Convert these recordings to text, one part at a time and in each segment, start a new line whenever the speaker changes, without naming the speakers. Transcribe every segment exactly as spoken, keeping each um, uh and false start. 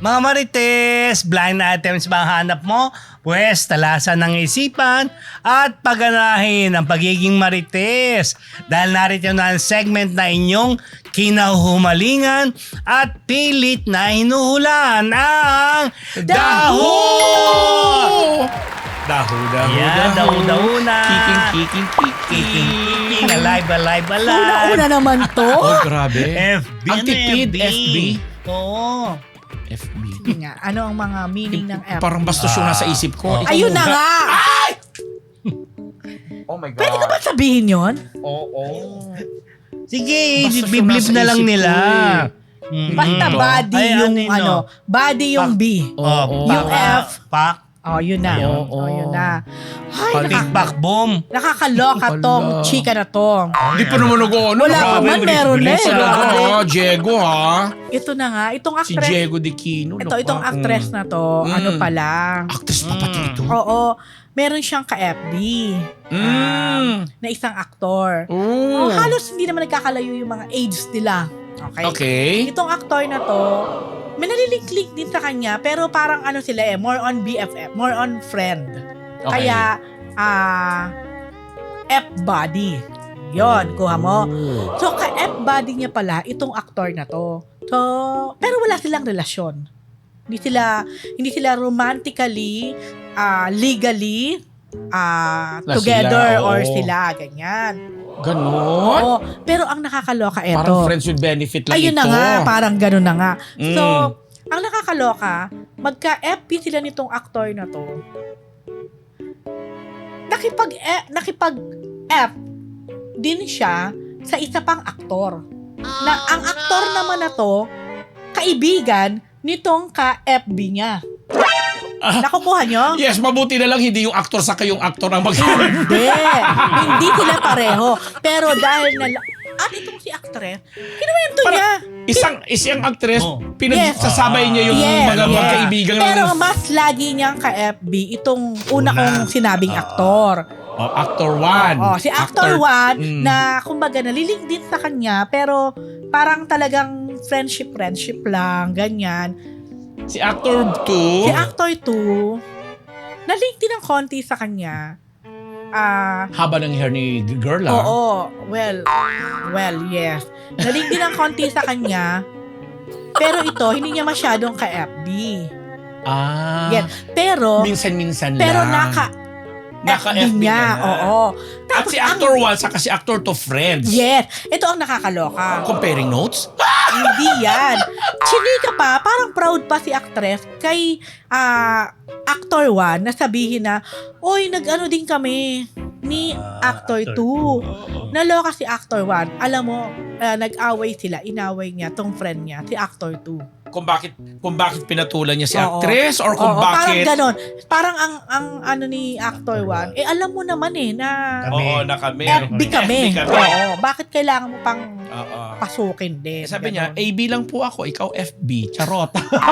Mga marites, blind items ba ang hanap mo? Pwes, talasan ng isipan at pagganahin ang pagiging marites. Dahil narito na ang segment na inyong kinahumalingan at pilit na hinuhulaan ang Daho!
Daho, daho,
Yan, daho-daho na.
Kiking, kiking, kiking.
Kiking, alive, alive, alive.
Una-una naman to.
Oh, grabe.
F B.
Ang
Ano
tipid,
F B?
F B.
Oo.
F B.
Sige nga, ano ang mga meaning ng F?
Parang bastos yung nasa isip ko. Ikaw
Ayun na
muna.
nga!
Oh my God.
Pwede ka ba sabihin yon?
Oo.
Sige,
Basta
biblip
siya nasa
na lang
isip
nila.
ko eh.
Mm.
Basta
Mm.
body
Ay,
yung
ano yun,
ano,
no?
body yung B.
Oo.
Yung
Pak-
F.
Pak.
Oh, yun na.
Ayun.
Oh, yun na. Ay,
Pali-
Big
naka-
back boom.
nakakaloka
Wala.
tong chika na to.
Hindi pa naman nag-ano.
Wala pa man, meron na eh.
Oo, Diego ha.
Ito na nga, itong
Si
actress.
Diego Di Quino.
Ito, itong actress na to,
Mm.
ano pala.
Actress pa pati ito.
Oo, meron siyang ka-F B
Mm.
na isang aktor.
Oh.
Oh, halos hindi naman nagkakalayo yung mga age nila. Okay?
Okay.
Itong aktor na to, may nalilink-link din sa kanya, pero parang ano sila eh, more on B F F, more on friend.
Okay.
Kaya, ah, F-body. Yon, kuha mo.
Oh.
So, ka-F-body niya pala, itong aktor na to. So, pero wala silang relasyon. Hindi sila, hindi sila romantically, ah, legally, ah,
Na
together
sila,
or
oo.
sila, ganyan.
Ganon?
Oo, pero ang nakakaloka eto.
Parang friends with benefit lang
Ayun
ito.
na nga, parang gano'n na nga.
Mm.
So, ang nakakaloka, magka-F P sila nitong aktor na to. Nakipag eh, nakipag F din siya sa isa pang aktor. Na ang aktor naman na to, kaibigan nitong ka-F B niya. Nakukuha nyo?
Yes, mabuti na lang hindi yung actor sa kayong actor ang mag-
Hindi. Hindi sila pareho. Pero dahil na... At itong si actress, kinuwento
Para-
niya.
Isang isang actress,
Oh.
pinagsasabay niya yung
Yes,
mga
yes.
magkaibigan
Pero
ng
mas lagi niyang ka-F B itong una
Una.
kong sinabing aktor.
oh, actor one.
Oh, si actor one
Mm.
na kumbaga naliling din sa kanya pero parang talagang friendship friendship lang, ganyan.
Si actor two.
Si actor two nalink din ng konti sa kanya. Ah,
Haba ng hair ni girl ah.
oo, well, well, yes. Nalink din ng konti sa kanya. Pero ito, hindi niya masyadong ka-F B.
Ah.
Yan. Pero,
Minsan-minsan
pero
lang.
naka
Naka-F
F
B
B niya,
na.
oo.
At si actor one saka si actor two friends.
Yes. Ito ang nakakaloka.
Comparing notes?
Hindi yan. Chinika pa, parang proud pa si actress kay ah, actor one na sabihin na, oy, nag-ano din kami ni
Ah,
actor
actor
two.
Oo.
Naloka si actor one. Alam mo, ah, nag-away sila, inaway niya tong friend niya, si actor two.
Kung bakit kung bakit pinatulan niya si
Oo.
actress or kung
Oo, parang
bakit
ganon. Parang ang, ang ano ni actor one, eh alam mo naman eh na
Kami.
Oo, na kami.
F B kami.
F B kami.
Oo, bakit kailangan mo pang
Oo.
pasukin din?
Sabi niya,
Ganon.
A B lang po ako, ikaw F B. Charot.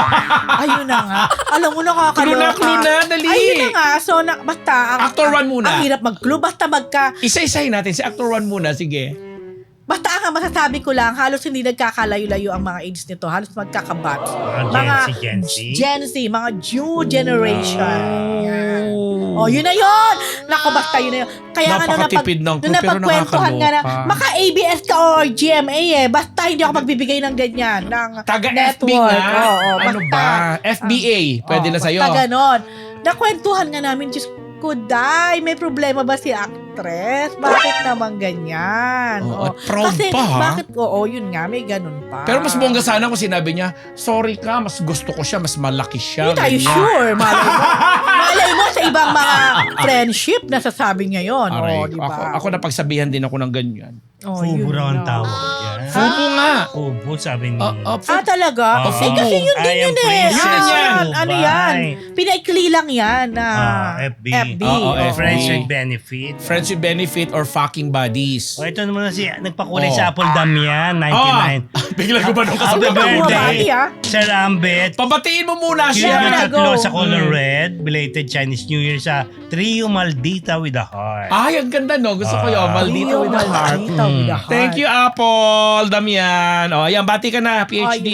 Ayun na nga. Alam mo, nakakaloka.
Clue na, clue na, dali.
Ayun na nga. So, na, basta. Ang,
Actor one muna.
Ang hirap mag-clue. Basta magka...
Isa-isahin natin. Si actor one muna, sige.
Basta ang masasabi ko lang, halos hindi nagkakalayo-layo ang mga age nito. Halos magkakabat.
Mga Gen Z, Gen Z.
Gen Z, mga new generation. Yan. Oh, yun na yun. Naku, basta yun na yun. Kaya nga nung napag,
Napakatipid ng
nung
clue, pero
napagkwentuhan nga na,
nakakaloka.
maka-A B S ka or G M A eh. Basta hindi ako magbibigay ng ganyan. Ng
Taga-F B
network.
nga.
Oo,
Ano
basta.
ba? F B A. Pwede
Oh,
na sa'yo.
Basta ganon. Nakwentuhan nga namin, Diyos ko, day, may problema ba si actress? Bakit naman ganyan?
Oo,
Oh,
at proud
Kasi,
pa, ha?
bakit, oo, yun nga, may ganun pa.
Pero mas bongga sana kung sinabi niya, sorry ka, mas gusto ko siya, mas malaki siya.
Hindi tayo
ganyan.
sure. Malay mo, malay mo sa ibang mga friendship, nasasabi niya yun.
Aray,
Oh, di
ako,
ba?
ako napagsabihan din ako ng ganyan.
Oh,
Fubo
yun
raw ang
na.
tawag yan.
Fubo nga.
Fubo, sabi ni...
Ah, ah,
Ah, talaga?
Ah,
eh, kasi yun din
I am
yun eh.
Princess
Ah,
yan.
ano
Dubai.
yan? Pinaikli lang yan na
Ah, F B.
F B.
Oo,
oh.
F B.
Friends with benefit.
Friends with benefit or fucking buddies.
O, ito naman na si... Nagpakulay
Oh.
sa Apple Damian, ninety-nine.
Ah, bigla ko ba nung
Happy
kasama?
birthday,
Bumabati, ah.
Sir Ambet.
Pabatiin mo muna
Cute
siya.
na
Yeah,
tatlo
go.
sa color
Mm.
red. Belated Chinese New Year sa Trio Maldita with a Heart.
Ay, ang ganda no. Gusto ko yun.
Ah.
Maldito with a heart.
Maldita with a
Mm.
heart.
Thank you, Apple, Damian. O, ayan, bati ka na,
Oh,
P H D.
yun na.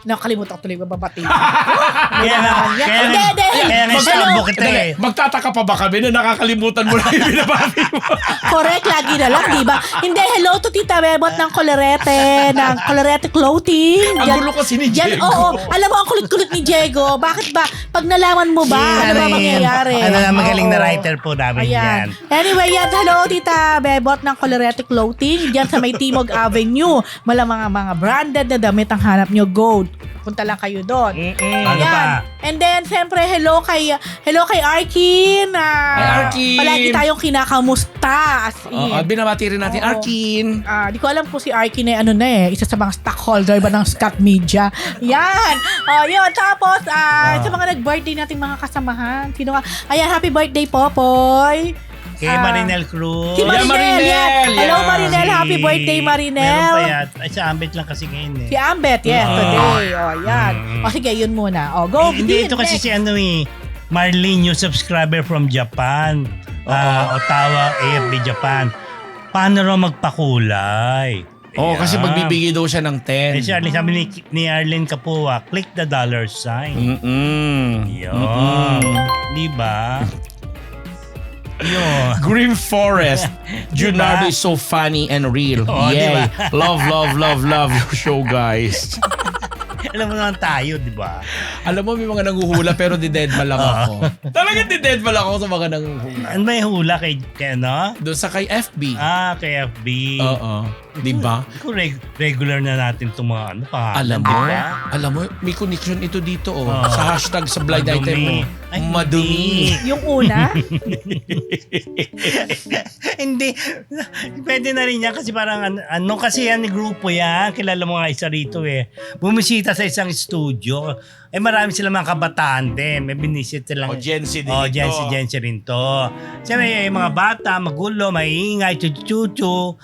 Nakalimutan ko tuloy babati.
Kaya nga,
naman yan.
kaya
Hindi,
nga,
hindi.
kaya nga
Mag-
istorbo
ano?
kita
Dali,
eh.
magtataka pa ba kami na nakakalimutan mo lang yung binabati mo?
Correct, lagi na lang, di ba? Hindi, hello to Tita Bebot ng Colorete, ng Colorete Clothing.
Ang
Yan-
gulo kasi ni
Yan,
Diego.
oo. Alam mo, ang kulit-kulit ni Diego. Bakit ba? Pag nalaman mo ba, ano ba mangyayari?
Ano na magaling na
Oo.
writer po namin yan.
Ayan. Anyway, yan. Hello, Tita Bebot ng Colorete Clothing. Diyan sa may Timog Avenue. Mala mga mga branded na damit ang hanap nyo. Go. Punta lang kayo doon.
Mm-mm. Ano
Ayan.
pa?
And then, siyempre, hello kay hello kay Arkin. Ah,
Hi, Arkin.
Palagi tayong kinakamusta. As in.
Oo, binabati rin natin,
Oo.
Arkin.
Ah, di ko alam kung si Arkin ay ano na eh, isa sa mga stockholder ba ng Scott Media. Yan. Oh, yun. Tapos, ah,
Ah.
sa mga nag-birthday nating mga kasamahan. Sino ka? Ayan, happy birthday, Popoy.
Kay
Ah.
Marinel Cruz.
Si
Yeah,
Marinel.
Marinel,
yan. Hello,
yeah.
Marinel. Happy birthday,
Meron pa
Marinel.
yan. Ay, sa Ambit lang kasi ngayon eh.
Si Ambet, yes,
Ah.
today. Oh, yan.
Mm.
O, sige, yun muna. O, go.
Eh, hindi, ito kasi
next.
si ano eh. Marlene, new subscriber from Japan. Ah, Ottawa, A F B Japan. Paano raw magpakulay?
Oo, kasi
Ayan.
magbibigay daw siya ng ten.
Eh, si Arlene, sabi ni, ni Arlene Kapua, click the dollar sign.
Mm-mm.
Yun.
Mm-mm.
Di ba? Yun.
Green Forest. Junardo
Diba?
is so funny and real.
Oo,
Yay.
diba?
Love, love, love, love your show, guys.
Alam mo naman tayo, di ba?
Alam mo, may mga nanguhula pero di-deadma lang
Oo.
ako. Talagang di-deadma lang ako sa mga nanguhula.
Ano ba yung hula kay, kay ano?
Doon sa kay F B.
Ah, kay F B.
Oo. Di ba?
Kung reg- regular na natin itong mga ano pa.
Alam
di
mo,
ba?
alam mo, may connection ito dito oh.
Oo.
Sa hashtag sa blind
Madumi.
item mo.
Ay,
Madumi.
Yung una,
Hindi. Pwede na rin yan kasi parang ano, ano kasi yan, grupo yan. Kilala mo nga isa rito eh. Bumisita sa isang studio. Eh marami sila mga kabataan din. May binisit silang.
O Gen Z din
Oh,
ito.
Gen Z, Gen Z rin to. Siyempre, yung mga bata, magulo, maingay, chuchu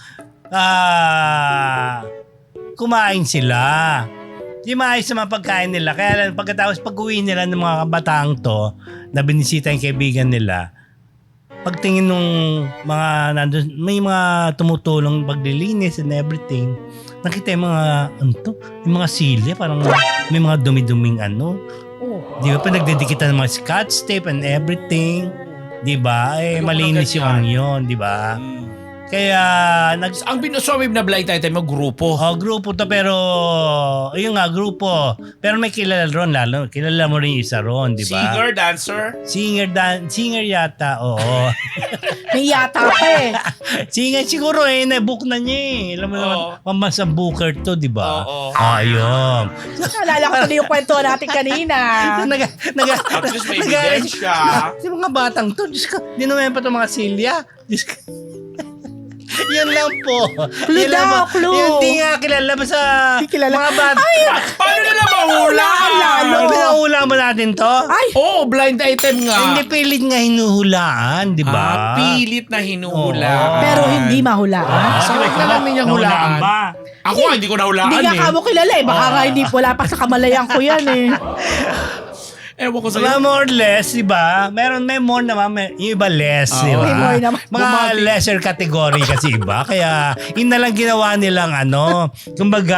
Ah, kumain sila. Di maayos sa mga pagkain nila. Kaya lang, pagkatapos pag-uwi nila ng mga kabataang to, na binisita yung kaibigan nila, pagtingin nung mga nandun, may mga tumutulong paglilinis and everything, nakita yung mga, ano to, yung mga silya, parang may mga dumi-duming ano.
oh,
Di ba? Pa nagdedikitan ng mga scotch tape and everything. Di ba? Eh,
Ayoko
malinis
ng
yung
ganyan.
ano yun, di ba?
Mm.
Kaya, nag,
Ang binasawib na blind item mo, grupo.
oh, grupo to pero, ayun nga, grupo. Pero may kilala ron, lalo. Kilala mo rin yung isa ron, di ba?
Singer, dancer.
Singer, dan, singer yata, oo.
may yata pa eh.
Singer siguro eh, na-book na niya eh. Alam mo naman,
Oo.
pambansang booker to, di ba?
Oo.
Ayun.
Naalala ko tuloy yung kwento natin kanina.
naga, naga,
At least may
naga-
ebidensya.
Yung mga batang to, Diyos ko, di naman pa itong mga silya. Diyos ko. Yun lang po.
Clue
Yun lang
daw,
po.
clue.
Yung di nga kilala ba sa
Di kilala.
mga bata.
Paano nila mahula?
Lalo.
Ano pinahula mo natin to?
Ay,
Oo, oh, blind item nga.
Hindi pilit nga hinuhulaan, di ba?
Ah, pilit na hinuhula.
Oo.
pero hindi mahulaan.
Ah,
Sa wag na lang niya
nahulaan
hulaan.
ba?
Ako nga, hindi ko nahulaan
Hindi nga
eh.
kamo kilala eh. Baka nga hindi, wala pa sa kamalayan ko yan eh.
Ewan ko
Mga
sa'yo.
more or less, di ba? Meron, may more naman, may, yung iba less,
Oo.
di ba?
May more naman.
Mga
Bumati.
lesser category kasi iba. Kaya, yun na lang ginawa nilang ano, kumbaga,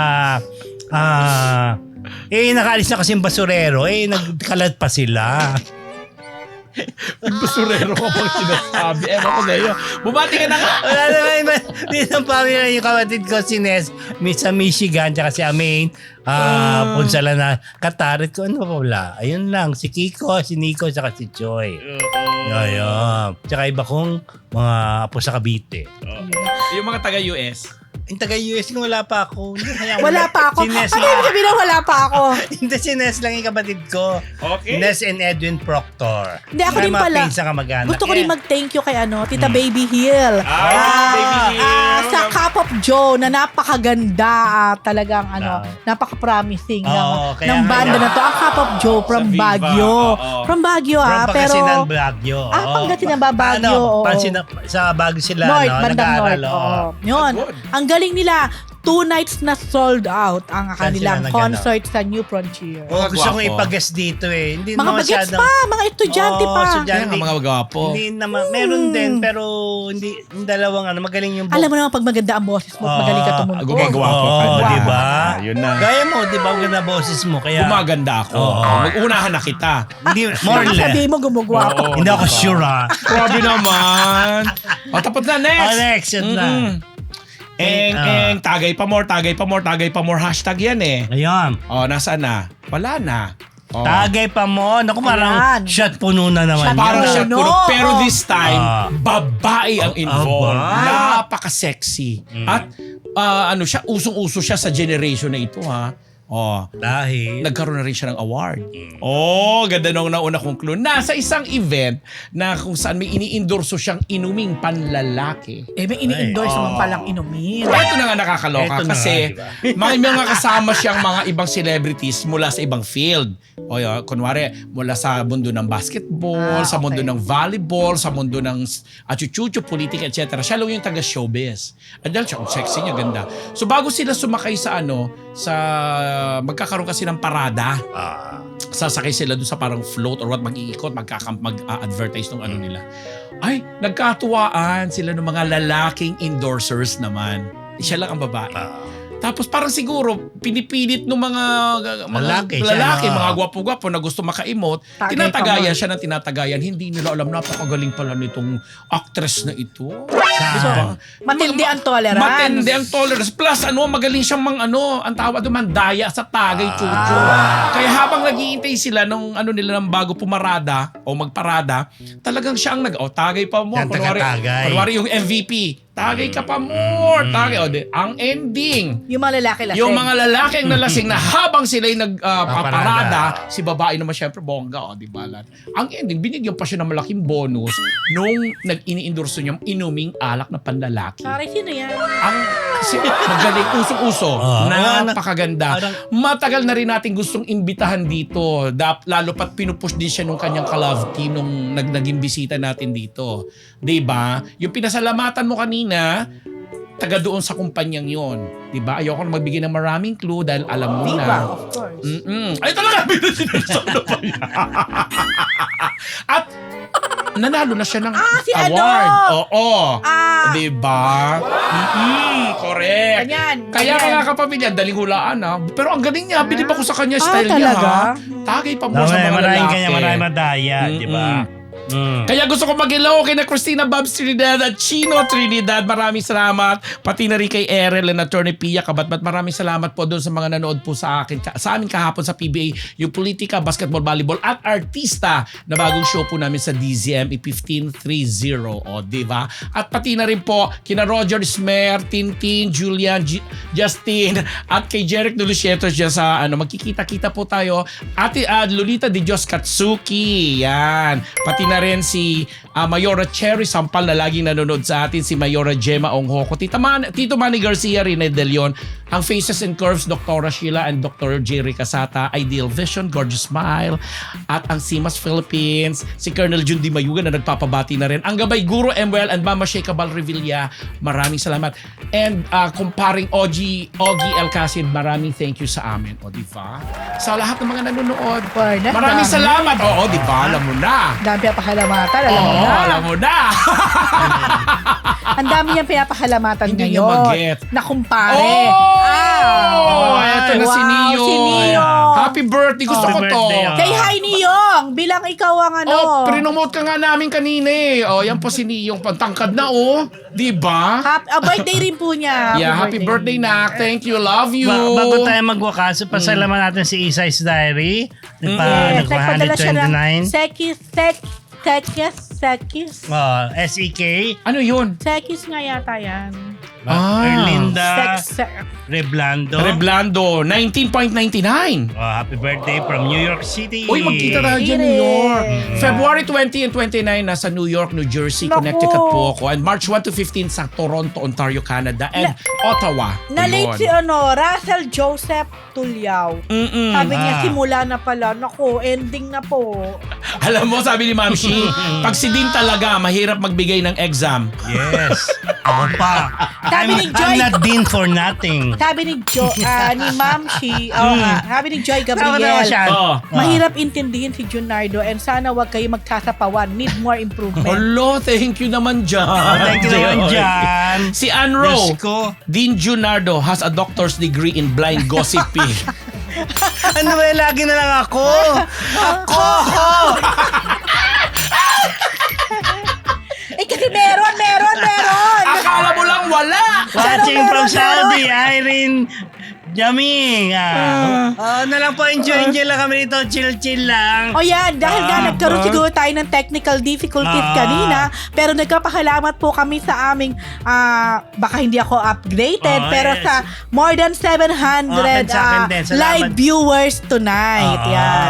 ah, eh, nakaalis na kasi yung basurero, eh, nagkalat pa sila.
Basurero ko pang sinasabi. Ewan ko sa'yo. Bumati ka na nga.
Wala naman iba. Dito ang pamilya yung kapatid ko, si Nes, mi- sa Michigan, tsaka si Amain, ah, Punsala na, Katarit ko, ano pa wala? Ayun lang, si Kiko, si Nico, tsaka si Joy. Ayun. Tsaka iba kong mga apo sa Cavite.
Yung mga taga-U S.
Yung taga-U S ko, wala pa ako. Hindi, hayaan mo
Wala
na.
pa ako.
Si Nes
Ano yung sabihin na wala pa ako?
Hindi, si Nes lang yung kapatid ko.
Okay.
Nes and Edwin Proctor.
Hindi, ako
May
din
mga
pala.
pinsan kamag-anak.
Gusto ko
Eh,
rin mag-thank you kay ano, Tita Baby Hill.
Ah, Baby Hill.
ah, sa Cup of Joe na napakaganda, ah, talagang ano,
Ah.
napaka-promising ng,
Oo, kaya
ng
nga
banda
yan.
na to. Ang Cup of Joe from
Sa Viva,
Baguio.
oo.
From Baguio
From
ah, pero
Pangasinan, Baguio.
Ah,
oo.
Pangasinan ba, Baguio,
Ano,
oo.
Pansina, sa Baguio sila,
North,
no?
bandang
Nag-aaral,
North.
oo.
Oo. Yun.
Good.
Ang galing nila. two nights na sold out ang
Saan
kanilang
sila
concert sa New Frontier.
Oh, gusto kong
Gwapo.
ipag-guest dito eh. Hindi
Mga
naman
bagets
masyadong-
pa, mga estudyante
Oo,
pa.
estudyante.
Kaya nga mga gwapo.
Hindi naman, meron din, pero hindi, yung dalawang ano, magaling yung
Alam mo naman pag maganda ang boses mo, at magaling ka
Ah,
tumuntog.
gumagawa. Gwapo ka
Oo,
na.
di ba?
Ah, yun na.
Gaya mo, di ba? Ang ganda boses mo. Kaya,
Gumaganda ako.
Oo.
Mag-unahan na kita.
hindi, more or
Baka
less.
sabihin mo gumugwapo.
Oo,
Hindi ako
diba?
sure ha.
Grabe naman. O, tapos na. Next.
Oh, next, yun na.
Mm-mm. Eng,
Ah.
eng, tagay pa more, tagay pa more, tagay pa more. Hashtag yan eh.
Ayun.
O, nasaan na? Wala na. O.
Tagay pa mo. Naku, parang
Ayan.
shot puno na naman.
Shot
Parang
Puno.
siya puro. Pero this time,
Ah.
babae ang involved.
Aba.
Napaka-sexy.
Mm.
At ah, ano siya, usong-uso siya sa generation na ito ha. Oh,
Dahil,
nagkaroon na rin siya ng award. Oh, ganda nung nauna kong clue. Nasa isang event na kung saan may ini-endorso siyang inuming panlalaki.
Eh, may ini-endorse
Ay,
naman
oh.
palang inumin.
Ito na nga nakakaloka
Ito na
kasi
nga,
may mga kasama siyang mga ibang celebrities mula sa ibang field. O yun, kunwari, mula sa mundo ng basketball,
Ah,
sa mundo
okay.
ng volleyball, sa mundo ng achuchucho, politika, et cetera. Siya lang yung taga-showbiz. At dahil siya, ang sexy niya, ganda. So bago sila sumakay sa ano, sa magkakaroon kasi ng parada,
ah,
sasakay sila doon sa parang float or what, mag-iikot, magkakam, mag-advertise ng ano nila. Ay, nagkatuwaan sila ng mga lalaking endorsers naman. Siya lang ang babae.
ah.
Tapos parang siguro pinipilit ng mga mga
Lalaki siya,
lalaki,
no?
mga gwapo-gwapo na gusto maka-emote,
Tagay
tinatagayan
pa mo.
siya ng tinatagayan. Hindi nila alam, napakagaling pala nitong actress na ito.
Saan?
Matindi
Ma-
ang tolerance.
Matindi ang tolerance. Plus, ano, magaling siyang mang ano, ang tawag doon, mandaya sa tagay, chucho. Kaya habang naghihintay sila nung ano nila ng bago pumarada o magparada, talagang siya ang nag, oh, tagay pa mo.
Yan,
Kunwari,
taga-tagay.
kunwari yung M V P, tagay ka pa more. Tagay. O, di, ang ending,
Yung mga lalaki lasing.
yung mga lalaki ang nalasing na habang sila'y nagpaparada,
Paparada.
si babae naman syempre bongga, o di ba? Lan? Ang ending, binigyan pa siya ng malaking bonus nung nag-ini-endorso niyang inuming alak na panlalaki.
Sorry, sino yan?
Ang si, magaling, usong-uso,
Ah,
napakaganda.
parang-
Matagal na rin natin gustong imbitahan dito, Dap, lalo pat pinupush din siya nung kanyang ka-love team nung nag naging bisita natin dito. Di ba? Yung pinasalamatan mo kanina, taga doon sa kumpanyang yon, 'di ba? Ayoko na magbigay ng maraming clue dahil alam mo
Diba?
na.
Of course.
Mm-mm. Ay talaga binasinusan na pa yan. At nanalo na siya ng
Ah, si ano?
award. Oo.
Ah.
'Di ba? Mm-mm. Correct.
Ganyan.
Kaya
ganyan.
mga kapamilya, daling hulaan ha. Pero ang galing niya, bilib ako sa kanya
Ah,
style niya
talaga?
ha. Tagay pa mo sa
Maraming
mga
maraming
lalaki.
kanya, maraming madaya, di ba? Mm.
Kaya gusto ko mag-hello kay na Christina Babs Trinidad at Chino Trinidad. Maraming salamat. Pati na rin kay Erel and Attorney Pia Kabatbat. Maraming salamat po doon sa mga nanood po sa akin, sa amin kahapon sa P B A, yung politika, basketball, volleyball at artista na bagong show po namin sa D Z M E fifteen thirty. O, di ba? At pati na rin po kina Roger Smer, Tintin, Julian, G- Justin at kay Jeric Dulucietos dyan sa ano, magkikita-kita po tayo. Ate uh, Lolita de Dios Katsuki. Yan. Pati na rin si uh, Mayora Cherry Sampal na laging nanonood sa atin, si Mayora Gemma Onghoko, Tita Man, Tito Manny Garcia, Rene De Leon, ang Faces and Curves, Doctora Sheila and Doctor Jerry Casata, Ideal Vision, Gorgeous Smile, at ang Simas Philippines, si Colonel Jun Di Mayuga na nagpapabati na rin, ang Gabay Guro Emwell and Mama Sheikha Bal Revilla, maraming salamat. And uh, kumparing Ogie, Ogie Alcacid, maraming thank you sa amin. O, di ba? Sa lahat ng mga nanonood,
Barnett,
maraming
dami.
salamat. Oo, di ba? Alam mo na.
Ang dami pinapahalamatan, alam mo
Oo,
na.
alam mo na.
Ang dami niyang pinapahalamatan
Hindi niya
ngayon.
mag-get.
Na kumpare.
Oh!
Ah,
Eto na si
wow,
Niyong.
si Niyong.
Happy birthday. Gusto
Happy
ko to.
birthday, ah.
Say hi, Niyong. Bilang ikaw ang ano.
Oh, prinomote ka nga namin kanina eh. Oh, yan po si Niyong. Pantangkad na oh. Di ba?
Happy, ah, birthday rin po niya.
Yeah, happy birthday na. Thank you. Love you.
Ba- bago tayo magwakaso, pasalaman natin si Isai's Diary. Nagpa,
Yes,
nagpa
nagpadala siya ng
one twenty-nine.
Sekis, sek, sekis, sekis.
Oh, S E K.
Ano yun?
Sekis nga yata yan.
Ah.
Erlinda
Sex, se-
Reblando.
Reblando, nineteen point nine nine.
Oh, happy birthday from New York City.
Uy, magkita tayo dyan, New York. February twenty and twenty-nine, nasa New York, New Jersey,
Naku.
Connecticut po ako. And March one to fifteen sa Toronto, Ontario, Canada. And Ottawa.
Na-late si
Yun.
ano, Russell Joseph Tulyaw.
Mm-mm.
Sabi niya,
Ah.
simula na pala. Naku, ending na po.
Alam mo, sabi ni Ma'am Shi, pag si Dean talaga, mahirap magbigay ng exam.
Yes. Ako pa.
Sabi
I'm,
ni Joy-
I'm not Dean for nothing.
Sabi ni Jo, ah, ni Ma'am Shi, oh, nga, sabi ni Joy
Tawa-tawa
Gabriel,
siya.
Oh.
mahirap intindihin si Junardo and sana wag kayo magsasapawan. Need more improvement.
Hello, thank you naman dyan.
Oh, thank you naman dyan.
Si Anro,
Diyos ko.
Dean Junardo has a doctor's degree in blind gossiping.
Ano ba, lagi na lang ako. Ako!
Eh kasi meron, meron, meron.
Akala mo lang wala.
Watching
Meron,
from
meron,
Saudi, Irene Jaming. Ah. Oh, na lang po, enjoy-enjoy lang kami dito. Chill-chill lang.
O yan, dahil nga
Ah,
nagkaroon
ah.
siguro tayo ng technical difficulties
Ah.
kanina, pero nagkapahalamat po kami sa aming, ah, baka hindi ako updated,
Oh,
pero
yes.
sa more than seven hundred
Oh, sa akin
ah,
din. Salamat.
live viewers tonight.
Ah.
Yan.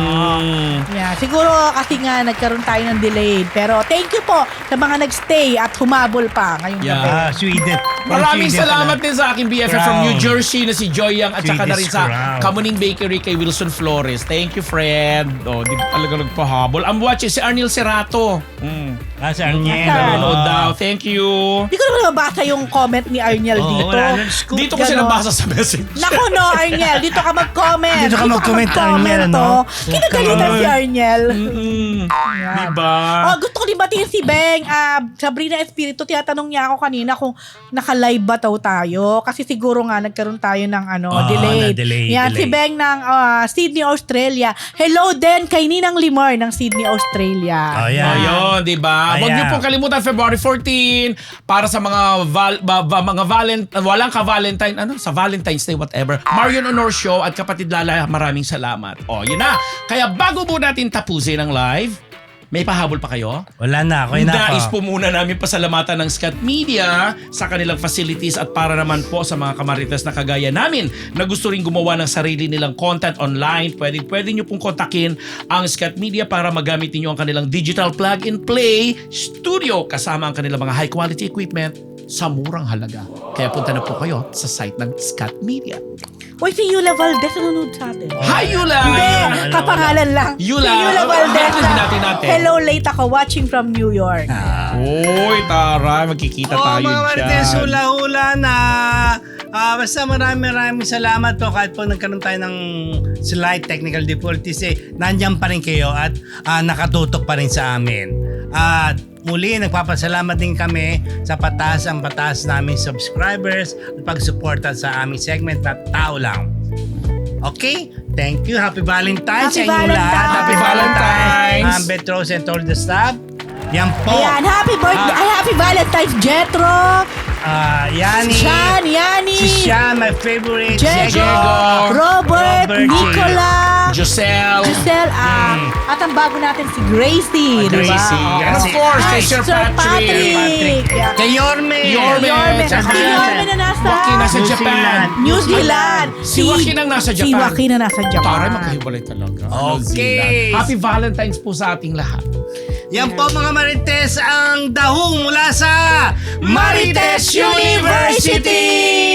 Mm.
Yeah, siguro kasi nga nagkaroon tayo ng delayed. Pero thank you po sa mga nagstay at humabol pa ngayong
Yeah.
gabi.
Ah, Sweden.
Maraming
Sweden
salamat
pala.
din sa aking B F F from
Crown.
New Jersey na si Joy Yang at saka na rin
Swedish
sa
Crown.
Kamuning Bakery kay Wilson Flores. Thank you, friend. Oh, di talaga nagpahabol. I'm watching si Arnel Cerato. Mm.
Ah, si Arniel.
Ah.
Nanonood daw. Thank you.
Hindi ko naman mabasa yung comment ni Arniel
Oo,
dito.
wala nang scoop.
Dito ko siya
Ganon.
nabasa sa message.
Naku no, Arniel. Dito ka mag-comment.
Dito ka mag-comment, Arniel,
to.
no?
Kinagalitan si Arniel.
Mm.
Yan.
Diba?
Oh, gusto ko din batiin si Beng. Ah, Sabrina Espiritu, tinatanong niya ako kanina kung naka-live ba daw tayo. Kasi siguro nga nagkaroon tayo ng ano,
Ah,
delayed.
na-delay,
Yan,
delay.
si Beng ng ah, Sydney, Australia. Hello din kay Ninang Limar ng Sydney, Australia.
Oh, yan.
Ayun, di ba? Huwag
Ayan.
niyo pong kalimutan February fourteen para sa mga val- ba- ba- mga valent walang ka-Valentine ano sa Valentine's Day whatever. Marion Honor Show at kapatid Lala, maraming salamat. Oh, yun na. Kaya bago po natin tapusin ang live, may pahabol pa kayo?
Wala na, ako na
Nais po
ako.
muna namin pasalamatan ng Scat Media sa kanilang facilities at para naman po sa mga kamarites na kagaya namin na gusto rin gumawa ng sarili nilang content online, pwede, pwede nyo pong kontakin ang Scat Media para magamit niyo ang kanilang digital plug and play studio kasama ang kanilang mga high quality equipment sa murang halaga. Kaya punta na po kayo sa site ng Scat Media.
Uy, si Yula Valdez nanonood sa atin.
Hi, Yula!
Hindi,
ano,
kapangalan lang.
Yula.
Si Yula Valdez.
Hindi natin natin.
Hello, late ako watching from New York.
Ah.
Uy, tara, magkikita
Oh,
tayo
mga
dyan.
Marites, hula-hula na. Ah, basta maraming maraming salamat po kahit po nagkaroon tayo ng slight technical difficulties eh, nandyan pa rin kayo at ah, nakatutok pa rin sa amin. At muli, nagpapasalamat din kami sa pataas ang pataas namin subscribers at pagsuporta sa aming segment na Tao Lang. Okay? Thank you. Happy Valentine's
Happy
sa inyong lahat.
Valentine's.
Happy
Valentine's.
Valentine's. Um, Betros and all the staff. Yan po.
Ayan, happy birthday, ay, happy Valentine's, Jetro,
Ah, Yani.
Sean, Yani,
Si Sean, my favorite.
Diego,
Diego,
Robert,
Robert,
Nicola,
Giselle.
Giselle, ah, at ang bago natin si Gracie, di ba?
Gracie,
Oo.
And of
Kasi-
course,
Ay,
kay Sir Patrick.
Patrick. Yeah.
Kay Yorme.
Yorme.
Yorme,
Tsaka
si Yorme na nasa
Joaquin nasa
New
Japan.
Zealand.
New Zealand.
Si Joaquin ang nasa
Si
Japan.
Joaquin na nasa Japan.
Taray, magkahiwalay talaga. New
Okay.
Zealand. Happy Valentine's po sa ating lahat.
Yan po mga Marites ang dahong mula sa
Marites University!